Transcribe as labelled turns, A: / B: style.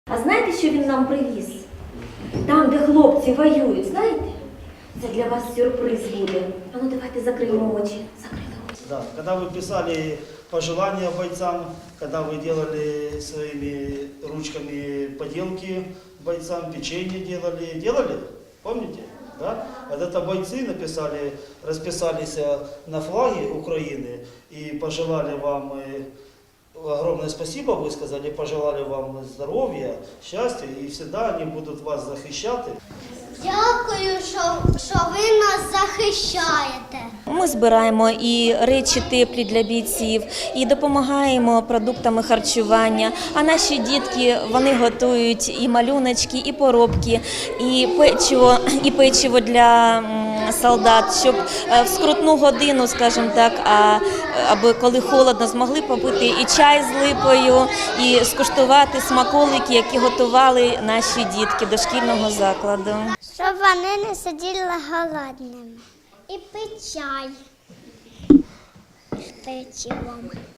A: А знаєте, що він нам привіз? Там, де хлопці воюють, знаєте? Це для вас сюрприз буде. А ну давайте закриємо очі. Закрили очі.
B: Да. Когда вы писали пожелания бойцам, когда вы делали своими ручками поделки бойцам, печенье делали? Помните? Да? Вот это бойцы написали, расписались на флаге Украины и пожелали вам огромное спасибо, вы сказали, пожелали вам здоровья, счастья, и всегда они будут вас захищать.
C: Дякую, що ви нас захищаєте.
D: Ми збираємо і речі теплі для бійців, і допомагаємо продуктами харчування. А наші дітки, вони готують і малюночки, і поробки, і печиво для солдат, щоб в скрутну годину, скажімо так, аби коли холодно, змогли попити і чай з липою, і скуштувати смаколики, які готували наші дітки дошкільного закладу.
C: Щоб вони не сиділи голодними. І пить чай з печивом.